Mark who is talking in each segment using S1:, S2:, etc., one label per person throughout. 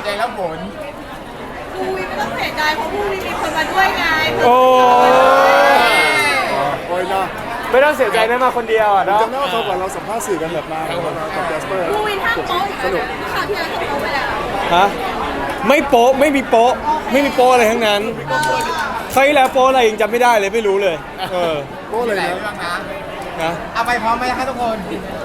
S1: ใจแล้วผล
S2: คุยไม่ต้องเสียใจเพราะพรุ่งนี้มีคนมาด้วยไง
S3: โอ้
S4: ยนะ
S3: ไม่ต้องเสียใจได้มาคนเดียวอ่ะเนาะ
S4: จำได้ว่าเขาก่อนเราสัมภาษณ์สื่อกันแบบมากับแจสเปอร์
S2: คุยท่าโป๊ะอีกแล้วข่าวที่แล้วก็โป๊ะไปแล้ว
S3: ฮะไม่โป๊ะไม่มีโป๊ะไม่มีโป๊ะอะไรทั้งนั้นใครแล้วโป๊ะอะไรยังจำไม่ได้เลยไม่รู้เลย
S4: โป๊ะเลย
S1: นะเอาไปพร้อมไหมครับทุกคน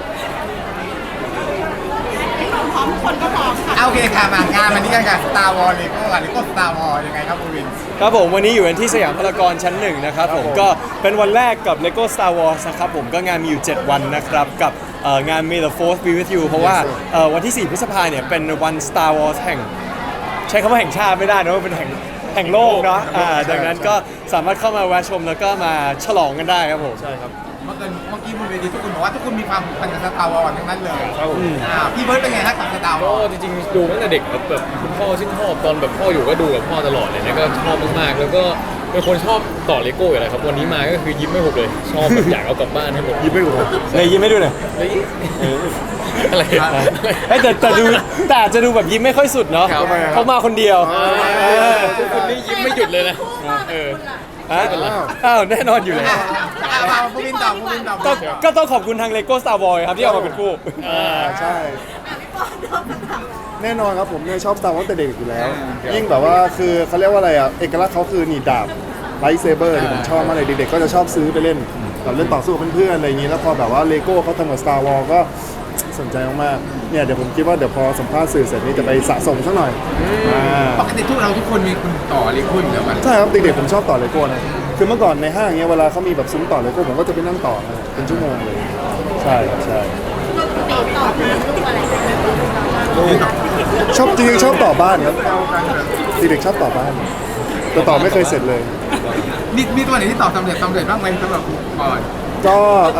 S2: พร้อมทุกคนก็พร้อมค่ะ
S1: โอเคค่ะมางานวันนี้กันกับ Star Wars Lego กับ Lego Star Wars ยังไงครับคุณวิน
S3: ครับผมวันนี้อยู่กันที่สยามพารากอนชั้น1นะครับผมก็เป็นวันแรกกับ Lego Star Wars นะครับผมก็งานมีอยู่7วันนะครับกับงาน May the Force be with you เพราะว่าวันที่4 พฤษภาคมเนี่ยเป็นวัน Star Wars แห่งใช้คำว่าแห่งชาติไม่ได้นะว่าเป็นแห่งโลกเนาะดังนั้นก็สามารถเข้ามาแวะชมแล้วก็มาฉลองกันได้ครับผม
S4: ใช่ครับ
S1: เมื่อกี้บนเวทีทุกคนบอกว่าทุกคนมีความผูกพันกับ Star Wars ทั้งนั้นเลยพี่เบิร์ดเป็นไงฮะกับ Star Wars
S5: ก็จริงๆดูตั้งแต่เด็กครับแบบคุณพ่อชื่นชอบตอนแบบพ่ออยู่ก็ดูกับพ่อตลอดเลยนะก็ชอบมากๆแล้วก็เป็นคนชอบต่อเลโก้อยู่แล้วครับวันนี้มาก็คือยิ้มไม่หุบเลยชอบแบบอยากเอากลับบ้านให้หมด
S4: ยิ้มไม่หุบ
S3: เลยยิ้มไม่ดูหน่อย
S5: อะไร
S3: แต่จะดูแบบยิ้มไม่ค่อยสุดเนาะเขามาคนเดียว
S5: คนนี้ยิ้มไม่หยุดเลยนะ
S3: อ้าวแน่นอนอยู่เลย
S1: ผู้วินต่อ
S3: ก็ต้องขอบคุณทาง Lego Star Wars ครับที่เอามาเป็นคู่
S4: ใช่แน่นอนครับผมเนี่ยชอบ Star Wars ตั้งแต่เด็กอยู่แล้วยิ่งแบบว่าคือเขาเรียกว่าอะไรอ่ะเอกลักษณ์เขาคือหนีบดาบไลท์เซเบอร์ผมชอบมากเลยเด็กๆก็จะชอบซื้อไปเล่นแบบเล่นต่อสู้กับเพื่อนๆอะไรอย่างนี้แล้วพอแบบว่าเลโก้เขาทำกับ Star Wars ก็สนใจมากๆเนี่ยเดี๋ยวผมคิดว่าเดี๋ยวพอสัมภาษณ์สื่อเสร็จนี่จะไปสะสมสักหน่อย
S1: ปกติทุกคนมีคุณต่อเลโก้อยู่แล้วกัน
S4: ใช่ครับเด็กๆผมชอบต่อเลโก้นะคือเมื่อก่อนในห้างเนี้ยเวลาเขามีแบบซุ้มต่อเลโก้ผมก็จะไปนั่งต่อเป็นชั่วโมงเลยใช่ครับใช่ชอบจริงๆชอบต่อบ้านครับเด็กๆชอบต่อบ้านแต่ต่อไม่เคยเสร็จเลย
S1: มีตัวไหนที่ต่อสำเร็จบ้างไหมสำหรับก่อน
S4: ก็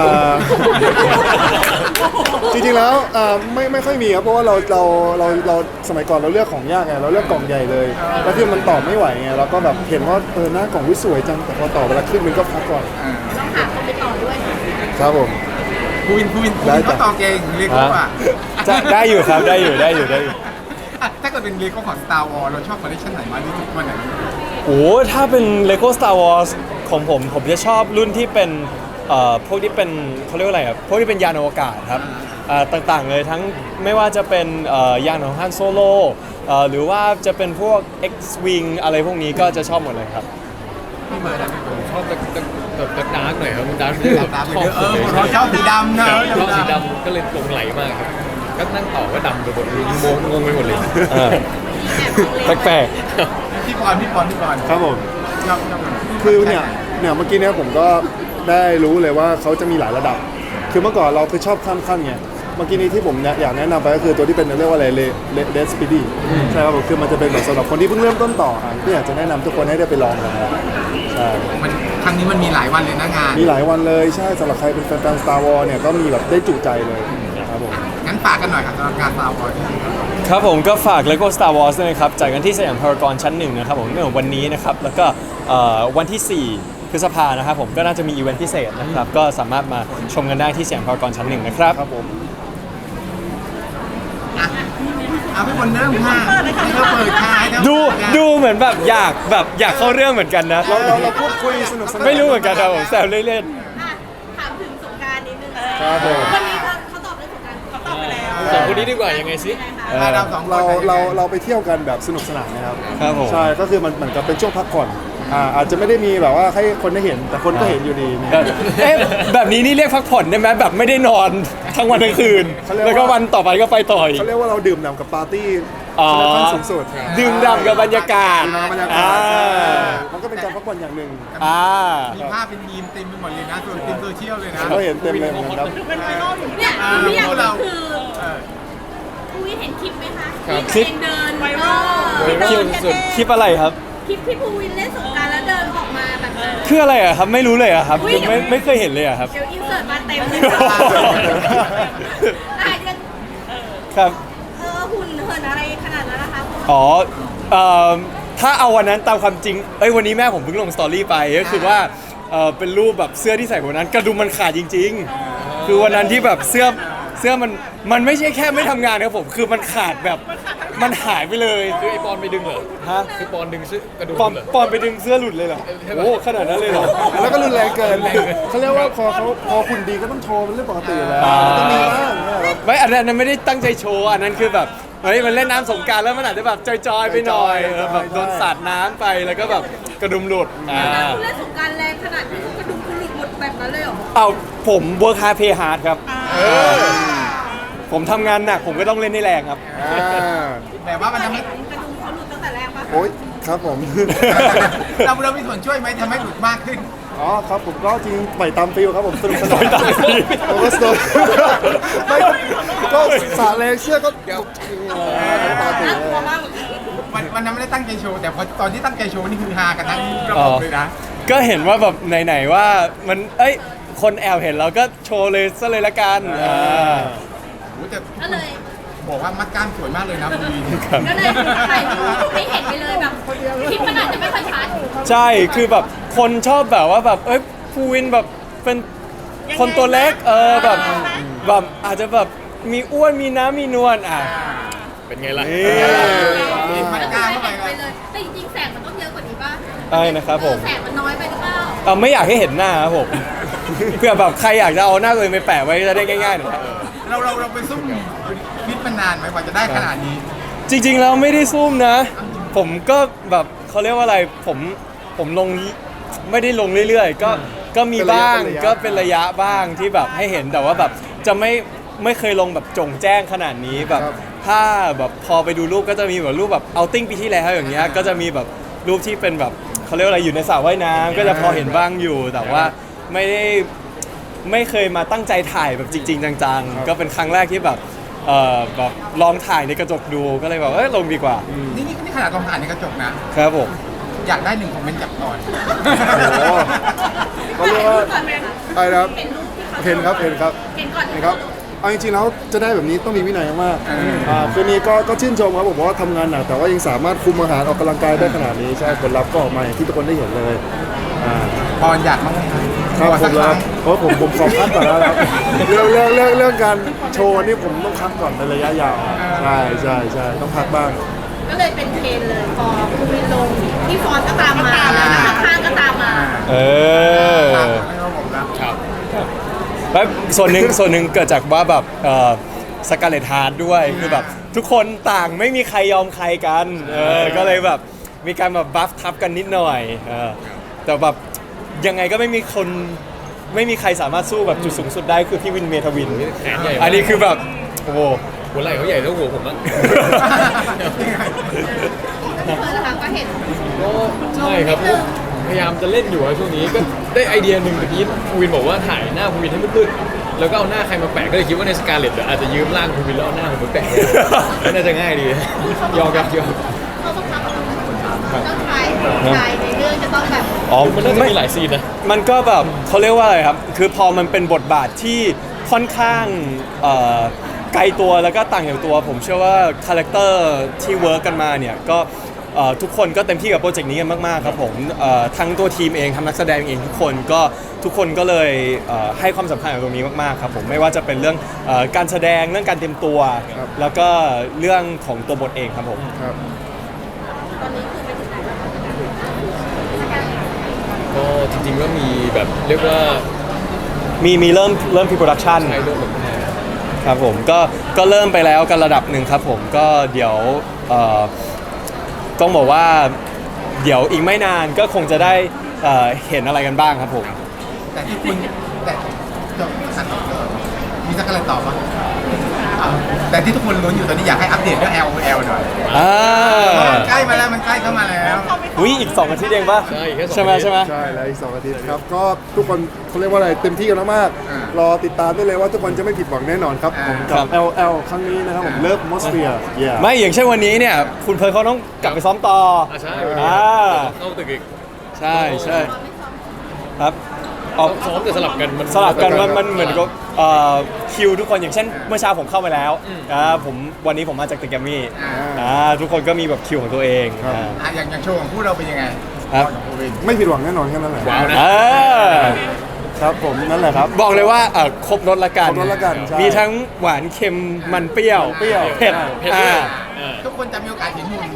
S4: จริงๆแล้วไม่ค่อยมีครับเพราะว่าเราสมัยก่อนเราเลือกของยากไงเราเลือกกล่องใหญ่เลยแล้วคือมันต่อไม่ไหวไงเราก็แบบเห็นว่าหน้ากล่องสวยจังแต่พอต่อเวลาขึ้นมันก็พักก่อน
S2: ต้องหาคนไปต่อด้วย
S4: ครับผม
S1: ผู้วินก็ต่อเก่งเลโก้อ่ะ
S3: ได้อยู่ครับได้อยู่
S1: ถ้าเกิดเป็นเลโก้ของ Star Wars เราชอบคอลเลคชันไหนมากที่สุดวันไหน
S3: ถ้าเป็น Lego Star Wars ของผมจะชอบรุ่นที่เป็นพวกที่เป็นเขาเรียกว่าอะไรครับพวกที่เป็นยานอวกาศครับต่างๆเลยทั้งไม่ว่าจะเป็นยานของฮันโซโลหรือว่าจะเป็นพวก X-Wing อะไรพวกนี้ก็จะชอบหมดเลยครับ
S1: พี่เบิร์ด
S5: ผมชอบแบบดาร์กหน่อยครับดาร์ก
S1: ชอบสีดำนะ
S5: ชอบสีดำก็เลยหลงไหลมากครับก็นั่งต่อก็ดำไปหมดงงไปหมดเลย
S3: แปลก
S1: พี่ปอน
S4: ครับผมคือเนี่ยเมื่อกี้เนี่ยผมก็ได้รู้เลยว่าเขาจะมีหลายระดับคือเมื่อก่อนเราคือชอบข้ามขั้นไงเมื่อกี้นี้ที่ผมอยากแนะนำไปก็คือตัวที่เป็นเรียกว่าอะไรเลสปีดี้ใช่ครับผมคือมันจะเป็นแบบสำหรับคนที่เพิ่งเริ่มต้นต่อที่อยากจะแนะนำทุกคนให้ได้ไปลองกันใช่
S1: ครั้งนี้มันมีหลายวันเลยนะงาน
S4: มีหลายวันเลยใช่สำหรับใครเป็นแฟน Star Wars เนี่ยก็มีแบบได้จุใจเลยครับผม
S1: งั้นฝากกันหน่อยครับสำหรับงาน Star Wars
S3: ครับผมก็ฝาก Lego Star Wars ด้วยนะครับจัดกันที่สยามพารากอนชั้น1นะครับผมเนื่องวันนี้นะครับแล้วก็วันที่4 พฤษภาคมนะครับผมก็น่าจะมีอีเวนต์พิเศษนะครับก็สามารถมาชมกันได้ที่สยามพารากอนชั้น1นะครับ
S4: ครับผม
S1: เอาพี่บอลเริ่มค่ะเราเปิดท้าย
S3: ดูเหมือนแบบอยากเข้าเรื่องเหมือนกันนะ
S4: เราพูดคุยสนุกสนาน
S3: ไม่รู้เหมือนกันครับผมแซวเล่น
S2: ๆถามถึงสงกรานต์นิดนึง
S4: ครับผม
S2: วันนี้เขาตอบเรื่องสงกรานต์เขาตอบไปแล้ว
S5: สองคนนี้ดีกว่ายังไงสิ
S4: เราไปเที่ยวกันแบบสนุกสนานนะครับ
S3: ครับผม
S4: ใช่ก็คือมันเหมือนกับเป็นช่วงพักผ่อนอาจจะไม่ได้มีแบบว่าให้คนได้เห็นแต่คนก็เห็นอยู่ดี
S3: แบบนี้นี่เรียกพักผ่อนได้ไหมแบบไม่ได้นอนทั้งวันทั้งคืนแล้วก็วันต่อไปก็ไปต่อ
S4: เขาเรียกว่าเราดื่มด่ำกับปาร์ตี้ขั้นสูงสุด
S3: ดื่มด่ำกับบรรยากาศ
S4: มันก็เป็นการพักผ่อนอย่างหนึ่ง
S1: มีภาพเป็นมีมเต็มไปหมดเลยนะส่วนโซเชียลเลยนะ
S4: ก็เห็นเต็มเลยครับ
S2: เนี่ยพี่อยากรู้คืออุ้ยเห็นคลิปไหมคะคลิปเดินไวรัล
S3: คลิปอะไรครับ
S2: คลิปที่ภูวินเล่นสงกรานต์แล้วเดินออกมาแบบ
S3: คืออะไรอะครับไม่รู้เลยอะครับไม่เคยเห็นเลยอะครับ
S2: เดี๋ยวอินเสิร์ตมาเต็มเลย
S3: ครับ
S2: หุ่นเหินอะไรขนาดนั้นนะคะ
S3: ถ้าเอาวันนั้นตามความจริงวันนี้แม่ผมเพิ่งลงสตอรี่ไปก็คือว่าเป็นรูปแบบเสื้อที่ใส่วันนั้นกระดุมมันขาดจริงๆคือวันนั้นที่แบบเสื้อมันไม่ใช่แค่ไม่ทำงานครับผมคือมันขาดแบบมันหายไปเลย
S5: คือไอปอนไปดึงเหรอ
S3: ฮะ
S5: คือปอนดึงเสื้อกระดุม
S3: ปอน
S5: เหรอ
S3: ปอนไปดึงเสื้อหลุดเลยเหรอโอ้ขนาดนั้นเลยเหรอ
S4: แล้วก็รุนแรงเกินเขาเรียกว่าพอคุณดีก็ต้องโชว์เป็นเรื่องปกติอยู่แล้วต้องมีบ้างเนี่ยครับ
S3: ไม่อันนั้นไม่ได้ตั้งใจโชว์อันนั้นคือแบบเฮ้ยมันเล่นน้ำสงกรารแล้วมันอาจจะแบบจอยๆไปหน่อยแบบโดนสาดน้ำไปแล้วก็แบบกระดุมหลุด
S2: คุณเล่นสงกรารแรงขนาดที่กระดุมคุณหลุดหมดแบบนั้นเลยเหรอ
S3: เอาผมเวิร์คฮาร์ดเพย์ฮาร์ดครับผมทำงานหนักผมก็ต้องเล่นให้แรงครับ
S1: แต่ว่ามันทำให้
S2: กระดุมเขาหลุดตั้งแต่แรกปะ
S4: โอ๊ยครับผม
S1: เรามีส่วนช่วยไหมทำให้หลุดมากขึ้น
S4: อ๋อครับผมก็จริงปล่อยตามฟิลครับผมสนุกสนาน
S3: ปล่อยตามฟิล
S4: ผมก็สนุกไม่ก็สาแรงเสื้อก็ปกติ
S2: น่าก
S4: เล
S2: ลัวย มากเลย
S1: วันนั้นไม่ได้ตั้งใจโชว์แต่พอตอนที่ตั้งใจโชว์นี่คือฮากันทั้งระบบเลยนะ
S3: ก็เห็นว่าแบบไหนๆว่ามันคนแอบเห็นเราก็โชว์เลยซะเลยละกัน
S1: โอ้แต่
S2: ก็เลย
S1: บอกว่ามัดกล้ามสวยมากเลยนะคุณวีน
S2: ก็เลยถ่ายรูปให้เห็นไปเลยแบบคลิปมันอาจจะไม่ค่อยชัด
S3: ใช่คือแบบคนชอบแบบว่าแบบภูวินแบบเป็นคนตัวเล็กแบบอาจจะแบบมีอ้วนมีน้ำมีนวล
S5: เป็นไงล่ะ
S1: มีมัดกล้ามเข้าไป
S2: ไป
S1: เลย
S2: เลยแต่จริงๆแสงมันต้องเยอะกว่านี้ป่ะ
S3: ใช่นะครับผม
S2: แสงมันน้อยไปหรือเปล่า
S3: ไม่อยากให้เห็นหน้าครับผม เพื่อแบบใครอยากจะเอาหน้าตัวเองไปแปะไว้จะได้ง่ายๆหน่อยครับ
S1: เราไปซุ่มฟิตมานานไหมกว่าจะได้ขนาดนี้
S3: จริงๆแล้วไม่ได้ซุ่มนะ ผมก็แบบเขาเรียกว่าอะไรผมลงไม่ได้ลงเรื่อยๆก็มีบ้างก็เป็นระยะบ้างที่แบบให้เห็นแต่ว่าแบบจะไม่เคยลงแบบจงแจ้งขนาดนี้แบบถ้าแบบพอไปดูรูปก็จะมีแบบรูปแบบเอาติ้งปีที่แล้วอย่างเงี้ยก็จะมีแบบรูปที่เป็นแบบเขาเรียกว่าอะไรอยู่ในสระว่ายน้ำก็จะพอเห็นบ้างอยู่แต่ว่าไม่เคยมาตั้งใจถ่ายแบบจริงๆจังๆก็เป็นครั้งแรกที่แบบแบบลองถ่ายในกระจกดูก็เลยแบบลงดีกว่า
S1: นี่ขนาดลองถ่ายในกระจกนะครับ
S3: ผม
S1: อยากได้1 คอมเมนต์จากก่อน
S4: โอ้ก็เรียกว่า
S2: ก่อนไหมคะ
S4: อะไรนะครับ
S2: เห็นรูปที่เขา
S4: เห็นครับเห็นครับ
S2: เห็นก่อน
S4: เห็นครับเอาจริงๆแล้วจะได้แบบนี้ต้องมีวินัยมากคืนนี้ก็ชื่นชมครับผมว่าทำงานหนักแต่ว่ายังสามารถคุมอาหารออกกำลังกายได้ขนาดนี้ใช่ผลลัพธ์ก็ออกมาอย่างที่ทุกคนได้เห็นเลย
S1: พรอยากมั้งไหม
S4: ครับ
S1: ขอ
S4: ผ
S1: สัก
S4: ม
S1: ค
S4: แล้
S1: รั้
S4: ว
S1: ง
S4: เพราะผมขอคัดก่อนแล้วครับเรื่องการโชว์นี่ผมต้องคัดก่อนในระยะยาวใช่ต้องพักบ้าง
S2: ก็เลยเป็นเทรนเลยพอคุณวินลงที่ฟอนก็ตามมาแล้วข้างๆก็ตามมา
S1: ไม่ว่าผมแล้ว
S5: ครับ
S3: แล้วส่วนหนึ่งเกิดจากว่าแบบสกาเลตฮาร์ดด้วยคือแบบทุกคนต่างไม่มีใครยอมใครกันก็เลยแบบมีการแบบบัฟทับกันนิดหน่อยแต่แบบยังไงก็ไม่มีใครสามารถสู้แบบจุดสูงสุดได้คือพี่วินเมทวิน
S5: แขนใหญ่มาก
S3: อันนี้คือแบบโอ้โห
S5: หัวไหล่เขาใหญ่เท่าหัวผมอะ
S2: พี่เพิร์ลนะคะก็เห็น
S5: ก็ใช่ครับพยายามจะเล่นอยู่อะช่วงนี้ก็ได้ไอเดียหนึ่งเมื่อกี้ภูวินบอกว่าถ่ายหน้าภูวินให้มืดๆแล้วก็เอาหน้าใครมาแปะก็เลยคิดว่าในสกาเลตอาจจะยืมร่างภูวินแล้วเอาหน้าผมไปแปะน่าจะง่ายดียอมครับยอม
S2: เขาต้องทำต้องถ่ายในเรื่องจะต้องแบบ
S5: มันน่าจะมีหลายซีนนะ
S3: มันก็แบบเขาเรียกว่าอะไรครับคือพอมันเป็นบทบาทที่ค่อนข้างไกลตัวแล้วก็ต่างจากตัวผมเชื่อว่าคาแรคเตอร์ที่เวิร์กกันมาเนี่ยก็ทุกคนก็เต็มที่กับโปรเจกต์นี้กันมากๆครับผมทั้งตัวทีมเองทั้งนักแสดงเองทุกคนก็เลยให้ความสำคัญกับตรงนี้มากๆครับผมไม่ว่าจะเป็นเรื่องการแสดงเรื่องการเตรียมตัว แล้วก็เรื่องของตัวบทเองครับผม
S4: ครับ
S2: ตอนนี้คือไปถึงไหนแล้ว
S5: ก็จริงๆก็มีแบบเรียกว่า
S3: มีเริ่มพรีโปรดักชัน
S5: ใช้เรื่องแบบนี้
S3: ครับผมก็เริ่มไปแล้วกันระดับหนึ่งครับผมก็เดี๋ยวต้องบอกว่าเดี๋ยวอีกไม่นานก็คงจะได้เห็นอะไรกันบ้างครับผม
S1: แต่ที่คุณแต่จบสันมีสักอะไรตอบปะแต่ที่ทุกคนลุ้นอยู่ตอนนี้อยากให้อัปเดตเรื่อง LOL หน่อยมันใกล้มาแล้วมันใกล้เข้ามาแล้ว
S3: อีก2 อาทิตย์เองป่ะ
S5: ใช่แค่2
S3: ใช่ไหม
S5: อาทิตย์
S3: ใช่ไหม
S4: ใช่แล้วอีก2 อาทิตย์ครับก็ทุกคนเขาเรียกว่าอะไรเต็มที่กันมากๆรอติดตามได้เลยว่าทุกคนจะไม่ผิดหวังแน่นอนครับผมกับ LL ครั้งนี้นะครับผมเลิฟมอสเฟียร์
S3: ไม่อย่างเช่นวันนี้เนี่ยคุณเพิร์ลเขาต้องกลับไปซ้อมต่อ
S5: ใช่ เข้าตึกอีก
S3: ใช่ครับ
S5: ซ้อมแต่สลับกันมัน
S3: สลับกันมันเหมือนกับคิวทุกคนอย่างเช่นเมื่อเช้าผมเข้าไปแล้ววันนี้ผมมาจากตึกแกรมมี่ทุกคนก็มีแบบคิวของตัวเอง
S1: อย่างโชว์ของผู้เราเป็นยังไง
S3: ครับ
S4: ไม่ผิดหวังแน่นอนแค่นั้นแหละ
S5: ว้าวนะ
S4: ครับผมนั่นแหละครับ
S3: บอกเลยว่าครบรสละกัน
S4: ครบรสละกันใช่
S3: มีทั้งหวานเค็มมันเปรี้ยว
S4: เปรี้ยว
S3: เผ็ด
S5: เผ็ดด้วย
S1: ทุกคนจะมีโอกาสเห็นหุ่น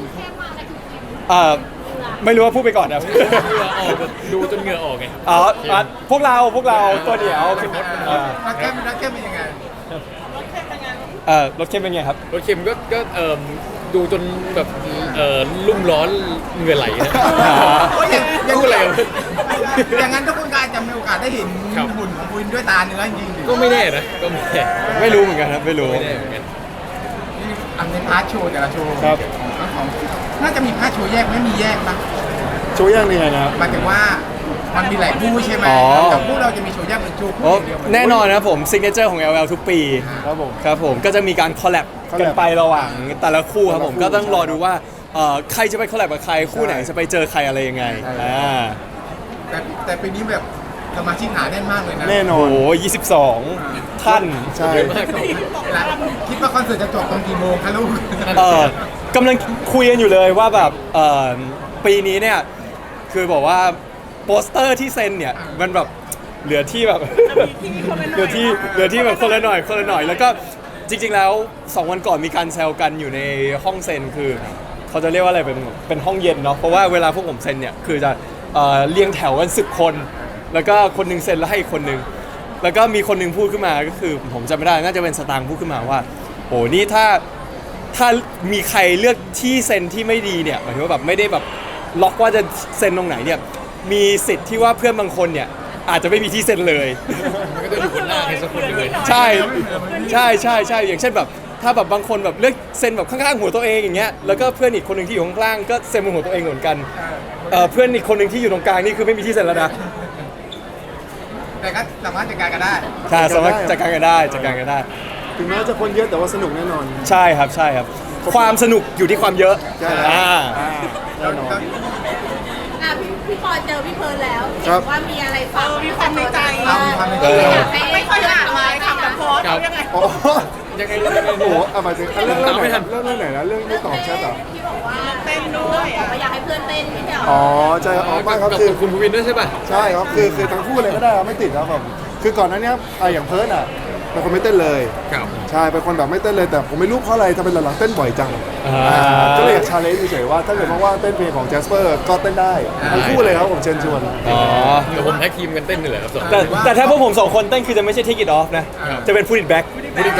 S3: ไม่รู้ว่าพูดไปก่อนนะ
S5: เหงื่อออกแบบดูจนเหงื่อออกไง
S3: อ๋อพวกเราตัวเดียว
S1: รักแก้มเป็นยังไง
S3: รถเค็มเป็นไงครับ
S5: รถเค็มก็ดูจนแบบลุ่มร้อนเหงื่อไหลนะ
S1: โอ้ยยัง
S5: พูดอะไรวะ
S1: อย่างนั้นทุกคนก็อาจจะมีโอกาสได้เห็น
S5: ครับ
S1: หุ่นของคุณด้วยตาเนื้อจริงๆ
S5: ก็ไม่แน่นะก็ไม่แน่
S3: ไม่รู้เหมือนกันครับไม่รู้
S5: ไม่แน่เหมือนกัน
S1: อันในพาร์ทโชว์แต่ละโชว์
S4: ครับ
S1: ของน่าจะมีพาร์ทโชว์แยกไม่มีแยกปะ
S4: โชว์ย่างนี่ไงนะครับ
S1: หมายถึงว่ามันมีหลายคู่ใช่ไหม
S3: อ๋อ
S1: แต่คู่เราจะมีโชว์แยกเป็นโชว์คู่
S3: โอ้
S1: เดียว
S3: แน่นอนนะครับผมซิกเนเจอร์ของ LL ทุกปี
S4: ครับผม
S3: ครับผมก็จะมีการคอลแลบกันไประหว่างแต่ละคู่ครับผม
S4: แต่ละคู่
S3: ก็ต้องรอดูว่าใครจะไปคอลแลบกับใครคู่ไหนจะไปเจอใครอะไรยังไง
S4: ใช่
S1: แต่ปีนี้แบบสมาชิกหนาแน่นมากเลยนะ
S4: แน่นอ
S3: โอ้
S4: น
S3: โห22 ท่าน
S4: ใช่
S5: เยอะมากครับ
S1: คิดว่าคอนเสิร์ตจะจบตอนกี่โมงคะลูก
S3: กำลังคุยกันอยู่เลยว่าแบบปีนี้เนี่ยคือบอกว่าโปสเตอร์ที่เซ็นเนี่ยมันแบบเหลือที่แบบเหลือที่แบบคนละหน่อยแล้วก็จริงๆแล้ว2 วันก่อนมีการแซวกันอยู่ในห้องเซ็นคือเขาจะเรียกว่าอะไรเป็นห้องเย็นเนาะเพราะว่าเวลาพวกผมเซ็นเนี่ยคือจะเรียงแถวกัน10 คน แล้วก็คนหนึงเซ็นแล้วให้อีกคนหนึงแล้วก็มีคนหนึงพูดขึ้นมาก็คือผมจำไม่ได้น่าจะเป็นสตางค์พูดขึ้นมาว่าโอ้นี่ถ้ามีใครเลือกที่เซ็นที่ไม่ดีเนี่ยหมายถึงว่าแบบไม่ได้แบบล็อกว่าจะเซ็นตรงไหนเนี่ยมีสิทธิ์ที่ว่าเพื่อนบางคนเนี่ยอาจจะไม่มีที่เซ็นเลย
S5: มันก็จะอยู่บนหน้าใครสักคนหนึ่งเลย
S3: ใช่อย่างเช่นแบบถ้าแบบบางคนแบบเลือกเซ็นแบบข้างๆหัวตัวเองอย่างเงี้ยแล้วก็เพื่อนอีกคนหนึ่งที่อยู่ข้างล่างก็เซ็นบนหัวตัวเองเหมือนกันเพื่อนอีกคนหนึ่งที่อยู่ตรงกลางนี่คือไม่มีที่เซ็นแล้วนะ
S1: แต่ก็สามารถจัดการกันได้
S3: ใช่สามารถจัดการกันได้
S4: ถึงแม้จะคนเยอะแต่ว่าสนุกแน่นอน
S3: ใช่ครับความสนุกอยู่ที่ความเยอะ
S4: ใช่แล้ว แน่นอน
S2: พี่ปอเจอพี่เพิร์นแล้ว
S4: ครับ
S2: ว่ามีอะไรฝากมีความในใจ
S1: มีความในใจ
S2: อยากให้ไม่ค่อยหนักเลยคำกับโพส
S5: ครับ
S2: ยังไง
S4: โอ้โห
S5: ยังไง
S4: โอ้โหเอามาถึงเรื่องไหน
S5: ไม่ทัน
S4: เรื่องไหนนะเรื่องไม่ตอบแชทเหรอ
S2: ที่บอกว่าเต้นด้วยบอกว่าอยากให้เพื่อนเต้นไม่ใช่เหรอ
S4: อ๋อใช่ครับอ๋อไม่ครับ
S5: กับ
S4: คือ
S5: คุณภูวินด้วยใช่ป่ะ
S4: ใช่ครับคือทั้งคู่เลยก็ได้ครับไม่ติดครับผมคือก่อนหน้านี้อย่างเพิร์ดอ่ะเป็นคนไม่เต้นเลย
S5: ครับ
S4: ใช่เป็นคนแบบไม่เต้นเลยแต่ผมไม่รู้เพราะอะไรทำไมหลังๆเต้นบ่อยจัง
S3: อ่า
S4: ก็เลยอยากชาเลนจ์เฉยๆว่าถ้าเกิดว่างๆเต้นเพลงของแจสเปอร์ก็เต้นได้ทั้งคู่เลยครับผมเชิญชวน
S3: อ๋อ
S5: เดี๋ยวผมแท็กทีมกันเต้นนี่แหละครับสอง
S3: แต่ถ้าพวกผม2 คนเต้นคือจะไม่ใช่ take it off นะ จะเป็น put it back
S5: พูดอีกไหม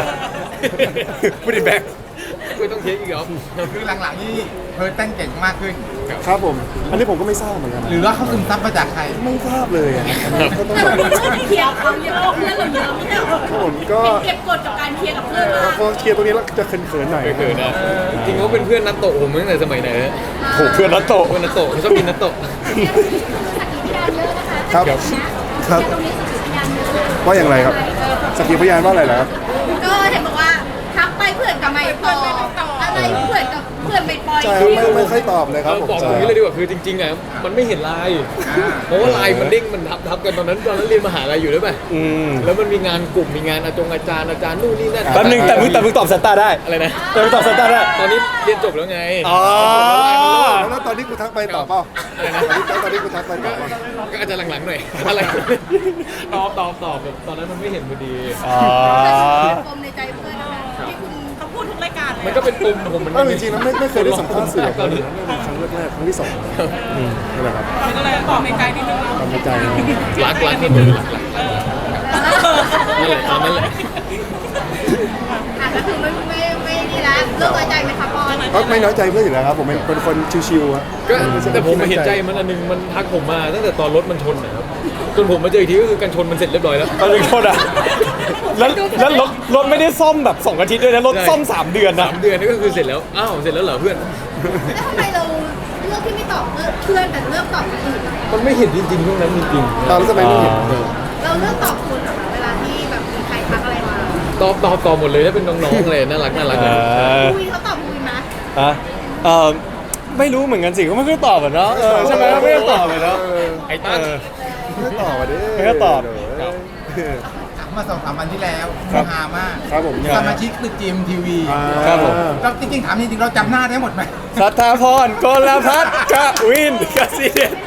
S3: put it back
S5: ไม่ต้องเทคอีกเหรอ
S1: คือหลังๆนี่เพิร์ทเต้นเก่งมากขึ้น
S4: ครับผมอันนี้ผมก็ไม่ทราบเหมือนกัน
S1: หรือว่าเขาซึมซับมาจากใคร
S4: ไม่ทราบเลยอ่ะอันนี้ก็ต้องแบบ
S2: เคลียร์เขาเยอะเพื่อนเราเยอะไม่ใช่เหรอ
S4: ครับผมก็
S2: เก็บกดกับการเคลียร์กับเพื่อนมาก
S4: พอเคลียร์ตรงนี้แล้วจะเขินๆหน่อย
S5: ไม่เคยนะจริงๆเขาเป็นเพื่อนนัตโตะผมตั้งแต่สมัยไหนฮะ
S3: โหเพื่อนนัตโตะ
S5: เพื่อนนัตโตะเขาชอบกินนัตโตะ
S4: ครับครับว่าอย่างไรครับสักขีพยานว่าอะไรเหรอครับ
S2: ก็เห็นบอกว่าทักไปเพื่อนกับไม่ตอบอะไรเพื่อนกับเพื่อนไม่ปล่อย
S4: ใช่ครับไม่ค่อยตอบเลยครับผม
S5: บอกตรงนี้เลยดีกว่าคือจริงๆอ่ะมันไม่เห็นไลน์เพราะว่าไลน์มันเด้งมันทับกันตอนนั้นเรียนมหาลัยอยู่ด้วยป่ะ
S3: อืม
S5: แล้วมันมีงานกลุ่มมีงานอาจารย์นู่นนี่นั่น
S3: แป๊บนึงแต่มึงตอบซันต้าได้
S5: อะไรนะ
S3: แต่มึงตอบซันต้าได้
S5: ตอนนี้เรียนจบแล้วไง
S3: อ๋อ
S4: แล้วตอนนี้กูทักไปตอบเปล่าตอนนี้กูทักไปตอบเปล่า
S5: ก็อาจจะหลังๆหน่อยอะไรตอบแบบตอนนั้นมันไม่เห็นพอดี
S3: อ๋อ
S2: ปมในใจเพื่อนนะคะที่คุณเขาพูดทุกรายการเลย
S5: มันก็เป็นปมของผมมัน
S4: เออจริงๆแล้วไม่เคยได้สัมภาษณ์สื่อแบบนี้นะครั้งแรกๆครั้งที่สองนั่นแหละครับ
S2: ก็เลยปมในใจนิดนึง
S4: ความในใจนะ
S5: รักที่มือนั่นแหละตอนนั้นแหละ
S2: ก็คือไม่ดีแล้วเลิกใจไหมคะปอน
S4: ก็ไม่น้อยใจเพื่อนอยู่แล้วครับผมเป็นคนชิวๆครับ
S5: ก็แต่ผมเห็นใจมันอันนึงมันทักผมมาตั้งแต่ตอนรถมันชนนะครับจนผมมาเจออีกทีก็คือการชนมันเสร็จเรียบร้อยแล้ว
S3: ตอนนึงโทษอ่ะแล้วรถไม่ได้ซ่อมแบบ2 อาทิตย์ด้วยนะรถซ่อม3 เดือนนะ
S5: 3 เดือนนี่ก็คือเสร็จแล้วอ้าวเสร็จแล้วเหรอเพื่อน
S2: แล้วทำไมเราเลือกที่ไม่ตอบเพื่อนแต่เลือกตอบคนอื่น
S5: มันไม่เห็นจริงๆช่วงนั้นจริงๆ
S4: ตอนนั้นทำไมไม่เห็น
S2: เราเลือกตอบคุณเหรอคะเวลาที่แบบมีใครทักอะไรมา
S5: ตอบหมดเลยถ้าเป็นน้องๆเลยน่ารัก
S2: คุยเขาตอบคุยนะ
S3: ไม่รู้เหมือนกันสิเขาไม่ค่อยตอบอะเนาะใช่ไหมไม่ได้ตอบเลยเนาะ
S5: ไอ้ตั้น
S4: ไม่ตอบอ่ะดิ
S3: ไม่ก็ตอบ
S1: มา2-3 วันที่แล้ว
S3: ครับ
S1: ฮามาก
S4: ครับผม
S1: สมาชิกตึกจีมทีวี
S3: ครับผม
S1: เราจริงๆถามจริงๆเราจำหน้าได้หมดไหม
S3: สัทธาพรกลพัฒน์กวินกสิเดช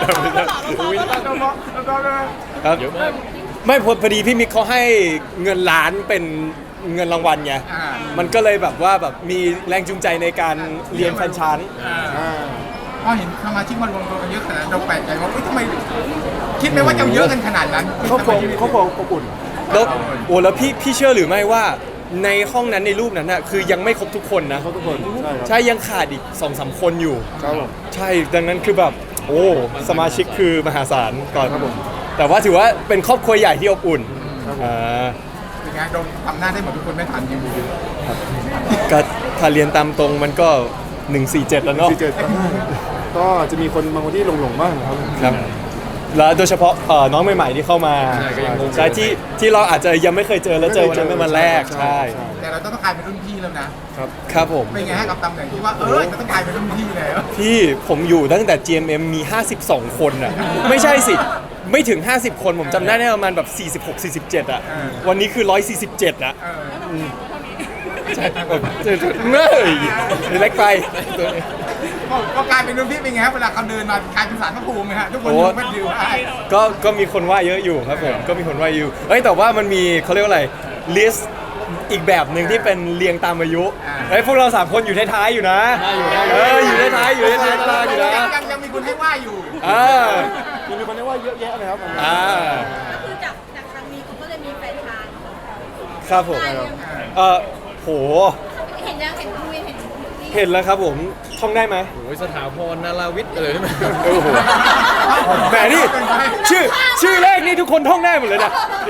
S3: ครับ
S5: เยอะมาก
S3: ไม่พอดีพี่มิกเขาให้เงินล้านเป็นเงินรางวัลไง
S1: อ่า
S3: มันก็เลยแบบว่าแบบมีแรงจูงใจในการเรียนแฟรนไชส์
S4: อ่า
S1: พอเห็นสมาชิกมารวมตัวกันเยอะขนาดนั้นเราแปลกใจว่าทำไมคิดไหมว่าจะเยอะกันขนาดนั้น
S4: ครอบครัวอบอุ่น
S3: แล้วโอ้แล้วพี่เชื่อหรือไม่ว่าในห้องนั้นในรูปนั้นน่ะคือยังไม่ครบทุกคนนะ
S4: เขาทุกคนใช่ครับ
S3: ใช่ยังขาดอีก 2-3 คนอยู่
S4: ครับผม
S3: ใช่ดังนั้นคือแบบโอ้สมาชิกคือมหาศาลก่อน
S4: ครับผม
S3: แต่ว่าถือว่าเป็นครอบครัวใหญ่ที่อบอุ่น
S4: ครับผม
S3: อ่า
S1: เป็นไงเราทำหน้าได้หมดทุกคนไม่ทันจริง
S3: ก็ถ้าเรียนตามตรงมันก็ 147 แล้วเนาะ
S4: ที่เจอก็จะมีคนบางคนที่หลงบ้างครับ
S3: ครับแล้วโดยเฉพาะน้องใหม่ๆที่เข้ามา
S5: ใช่ก็ยังงง
S3: ใช่ที่เราอาจจะยังไม่เคยเจอแล้วเจอวันนั้นเป็นวันแรกใช่
S1: ๆแต่เราต้องกลายเป็นรุ่นพี่แล้วนะครับ
S3: ครับผม
S1: เป็นไงให้กับตำแหน่งที่ว่าจะต้องกลายเป็นรุ่นพี่แล้ว
S3: พี่ผมอยู่ตั้งแต่ GMM มี 52 คนอ่ะ ไม่ใช่สิ ไม่ถึง 50 คนผมจำได้ประมาณแบบ 46-47 อ่ะ วันนี้คือ 147 อ่ะ ใช่ผมเมื่อยเล็กไป
S1: ก็กลายเป็นรุ่นพี่เป็นไงครับเวลาเขาเดินมากลายเป็นสารพระภูมิไหมฮะทุกคน
S3: โอ้
S1: อยู่ไม่ดิวได้
S3: ก็มีคนว่าเยอะอยู่ครับผมก็มีคนว่าอยู่เอ้ยแต่ว่ามันมีเขาเรียกว่าอะไรลิสต์อีกแบบหนึ่งที่เป็นเรียงตามอายุเฮ้ยพวกเรา3คนอยู่ท้ายๆอยู่นะอยู่ท้ายๆอยู่ท้ายๆตารางอยู่นะ
S1: ยังมีคุณให้ว่าอยู่
S3: อ่า
S4: ยังมีคนเรียกว่าเยอะแยะเลยครับ
S3: อ่า
S2: ก็คือจากครั้งนี้เขาก็เลยมีแฟนชาย
S3: ครับผม
S2: ได้ยัง
S3: โห
S2: เห็นยังเห็นคุยเห็น
S3: เห็นแล้วครับผมท่องได้ไหม
S5: โอ้ยสถาพรนาราวิทย์อะไรนี่มัน
S3: โอ้โหแหมนี่ชื่อแรกนี่ทุกคนท่องได้หมดเลยนะ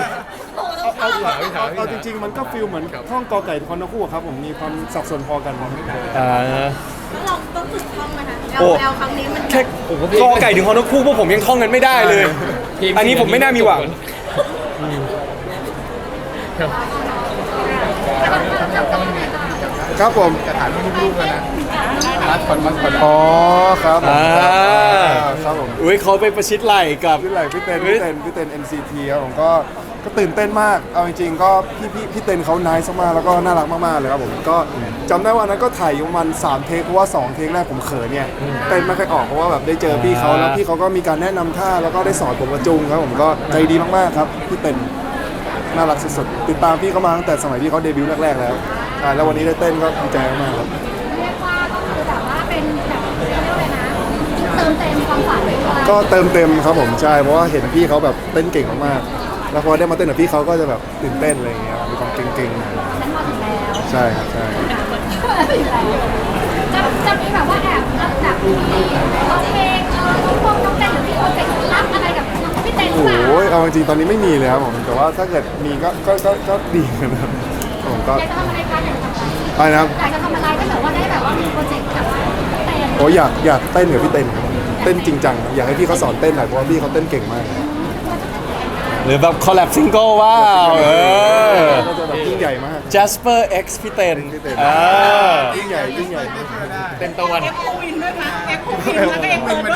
S4: เอาจริงๆมันก็ฟิลเหมือนท่องกอไก่คอนนคู่ครับผมมีความสับสนพอกัน
S3: อ่า
S2: ต้องลองต้องฝึกท่องไหมคะ
S3: โอ้
S2: แอลครั้งนี้มัน
S3: แค่กอไก่ถึงฮอนกคู่พวกผมยังท่องกันไม่ได้เลย อันนี้ผมไม่น่ามีหวัง
S4: ครับผม
S1: จะถามลูกๆแล้วนะมัดคน
S4: อ๋อครับผม
S3: อ่า
S4: ครับผม
S3: อุ้ยเขาไปประชิดไหล่กับ
S4: พี่ไหลพี่เต้น NCT ครับผมก็ตื่นเต้นมากเอาจริงๆก็พี่เต้นเขานายมากแล้วก็น่ารักมากๆเลยครับผมก็จำได้ว่านั้นก็ถ่ายอยู่ประมาณ3เทคเพราะว่า2เทคแรกผมเขินเนี่ยเต้นไม่ค่อยออกเพราะว่าแบบได้เจอพี่เขาแล้วพี่เขาก็มีการแนะนำท่าแล้วก็ได้สอนผมกระจุงครับผมก็ใจดีมากๆครับพี่เต้นน่ารักสุดๆติดตามพี่เขามาตั้งแต่สมัยที่เขาเดบิวต์แรกๆแล้วใช่แล้ววันนี้ได้เต้นก็ดีใจมากๆครับ
S6: เรียกว่าก็คือแบบว่าเป็นแบบเขาเรียกว่าอะไรนะเติมเต็มความฝันไปด้วย
S4: ก็เติมเต็มครับผมใช่เพราะว่าเห็นพี่เขาแบบเต้นเก่งมากๆแล้วพอได้มาเต้นกับพี่เขาก็จะแบบตื่นเต้นอะไรอย่างเงี้ยมีความเก่งๆหน่อย
S6: ฉันมาถึงแล้ว
S4: ใช่ครับใช่
S6: จะมีแบบว่าแอบแบบมีร้องเพลงทุกคนน้องเต้นหรือมีโปรเจกต์รับอะไรกับพี่เต้นหรือเปล่า
S4: โอ้ยเอาจริงๆตอนนี้ไม่มีเลยครับผมแต่ว่าถ้าเกิดมีก็ดีนะครับผมก็
S6: อยากจะทำอะไรคะอยากจะทำอะไร
S4: ไปนะครับ
S6: อยากจะทำอะไรถ้าเกิดว่าได้แบบว่ามีโปรเจกต์กับพี่เต้น
S4: โอ้ยอยากเต้นกับพี่เต้นครับเต้นจริงจังอยากให้พี่เขาสอนเต้นหน่อยเพราะว่าพี่เขาเต้นเก่งมาก
S3: หรือแบบคอลแลบซิงเกิลว้าว
S4: ก็จะแบบยิ่งใหญ่มาก
S3: Jasper X พี่เต้น
S4: พี่เต้น
S3: อ่า
S4: ยิ่งใหญ่ยิ่งใหญ่
S5: เต้นตะวัน
S2: เอ็กโควินด้วยนะเอ็กโควินแล้วก็เอ็กเพิร์ดด้วย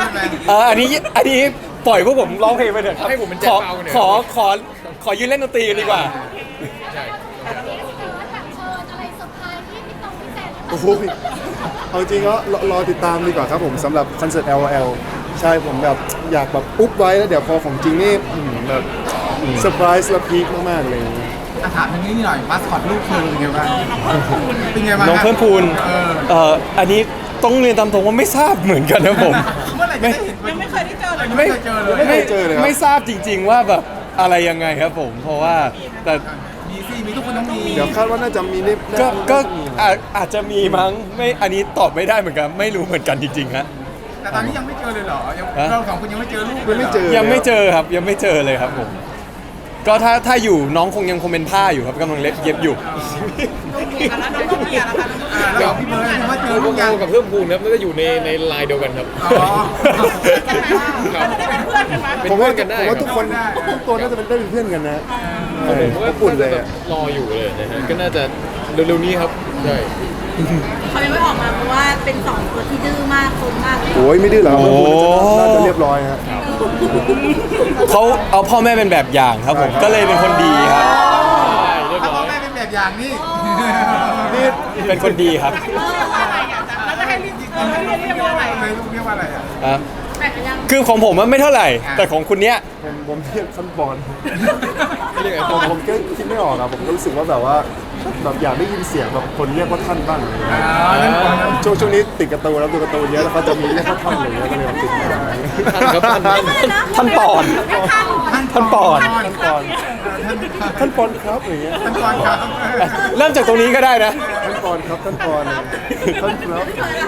S3: อันนี้ปล่อยพวกผมร้องเพลงไปเถอะครับ
S5: ให้ผมเป็นแจ็คเปาเนี่ย
S3: ขอยืนเล่นดนตรีกันดีกว่า
S5: ใช่
S6: แบบเชิญอะไรเซอร์ไพรส์ที่พี่ตรงพี่เต้น
S4: โอ้โหเอาจริงก็รอติดตามดีกว่าครับผมสำหรับคอนเสิร์ต LOL ใช่ผมแบบอยากแบบอุ๊บไว้แล้วเดี๋ยวพอของจริงนี่แบบเซอร์ไพรส์และพีคมากๆเลย
S1: ถามอย่างนี้หน่อยมาสคอตลูกเธอเป็นไงบ้างเป็นไงบ้าง
S3: น้องเพิ่มพูนอันนี้ต้องเรียนตามตรงว่าไม่ทราบเหมือนกันนะผม
S1: เมื่อไหร่จะได้เห็นยังไม่เคยได้เจอเลยไม่เคยเจอเลย
S4: ไม่เคยเจอเลยครับ
S3: ไม่ทราบจริง ๆว่าแบบอะไรยังไงครับผม เพราะว่าแต่
S1: มีสิมีทุกคนต้องมี
S4: เดี๋ยวคาดว่าน่าจะมีนี่
S3: ก็อาจจะมีมั้งไม่อันนี้ตอบไม่ได้เหมือนกันไม่รู้เหมือนกันจริงๆฮะ
S1: แต่ตอนนี้ยังไม่เจอเลยเหรอเราสองคนยังไม่เจอลูก
S4: ไม่เจอ
S3: ยังไม่เจอครับยังไม่เจอเลยครับผม ก็ถ้าอยู่น้องคงยังเป็นผ้าอยู่ครับกำลังเย็บอยู่
S2: แล้วน้องต้องเมียนะคะ
S1: เราพี่เบิร์ดยังไม่เจอลูก
S5: โก
S1: ยัง
S5: กับเพิ่มพูนครับน่าจะอยู่ในไลน์เดียวกันครับ
S1: อ๋อ
S5: ครับ
S2: จะได้เป็นเพื่อนกันไหม
S5: เป็น
S4: ผม
S5: เพื่
S4: ว่า
S5: อนกันได้
S4: ผมว่าทุกคน
S1: ได้
S4: ทุกตัวน่าจะเป็นได้เป็นเพื่อนกันนะ
S5: ผมว่า
S4: อุ่นเลย
S5: แบบรออยู่เลยนะฮะก็น่าจะเร็วๆนี้ครับใช่
S2: เขายังไม่ออกมาเพราะว่าเป็นสองตัวที่ดื้อมากคมมาก
S4: โอ้ยไม่ดื้อหรอกครับ
S3: โอ้
S4: น่าจะเรียบร้อยฮะ
S3: เขาเอาพ่อแม่เป็นแบบอย่างครับผมก็เลยเป็นคนดีครับ
S5: ใช่เรียบ
S1: ถ้า
S5: ร้
S1: พ่
S5: อ
S1: อย แม่เป็นแบบอย่างนี่
S3: เป็นคนดีครับ
S2: อะไรอ่ะแล้วจะให้เรียกว่าอะไร
S1: เลยลูกเรียกว่าอะไรอ่ะ
S3: อ่ะ
S2: แบ่งกันยัง
S3: คือของผมมันไม่เท่าไหร่ แต่ของคุณเนี้ย
S4: ผมเรียกท่านบอล
S5: เรียกไง
S4: ผมก็คิดไม่ออกอะผมก็รู้สึกว่าแบบว่าแบบอยากได้ยินเสียงแบบคนเรียกว่าท่านบ้างอะไรอย่างเงี้ยช่วงนี้ติดการ์ตูนแล้วดูการ์ตูนเยอะแล้วเขาจะมีเรียกว่าท่านอะไรอย่างเงี้ยก็เลยติดมา
S5: ท่านครับท่าน
S3: ท่านปอน ท่านปอน
S4: ท่านปอนครับอย่างเงี้ย
S1: ท่านก่อนครับ
S3: เริ่มจากตรงนี้ก็ได้นะ
S4: ท่านปอนครับท่านปอนท่านครับ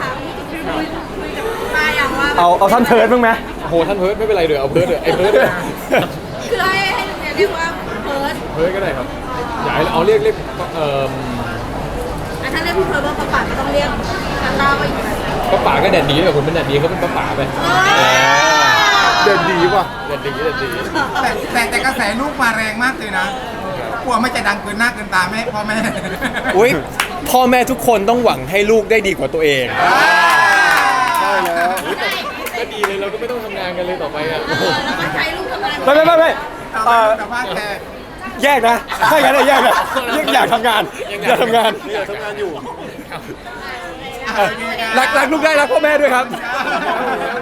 S2: มาอย่างว่า
S3: เอาท่านเพิร์ดบ้างไหม
S5: โอ้โหท่านเพิร์ดไม่เป็นไรเดี๋ยวเอาเพิร์ดเดี๋ยวไอ้เพิร์ดเดี๋ยว
S2: คือให้เรียกว่าเพิร์ด
S5: เพิร์ดก็ได้ครับอยากให้เอาเรียก
S2: ถ้าเรียกพี่เพิร์ดว่าป้าป๋าก็ต้องเรียกตาตาว่าอีกแบบ
S5: ป้าป๋าก็แดดดีแบบผมเป็นแดดดีเขาเป็นป้าป๋าไป
S4: เด่นดีว่ะ
S5: แดดดีแดดดี
S1: แต่กระแสลูกมาแรงมากเลยนะกลัวไม่จะดังเกินหน้าเกินตาแม่พ่อแม่
S3: อุ้ยพ่อแม่ทุกคนต้องหวังให้ลูกได้ดีกว่าตัวเอง
S4: ใช่แล้ว
S5: ก็ดีเลยเราก็ไม่ต้องทำงานกันเลยต่อไปอ่ะ
S2: แล้วก็ใช้ลูกทำงาน
S3: ไม่
S1: แต่ว่าแต่
S3: แยกนะถ้าอย่างนั้นแยกนะอยากทำงานอยากทำงาน
S4: เนี่ยทำงานอยู่
S3: รักลูกได้รักพ่อแม่ด้วยครับ
S1: เ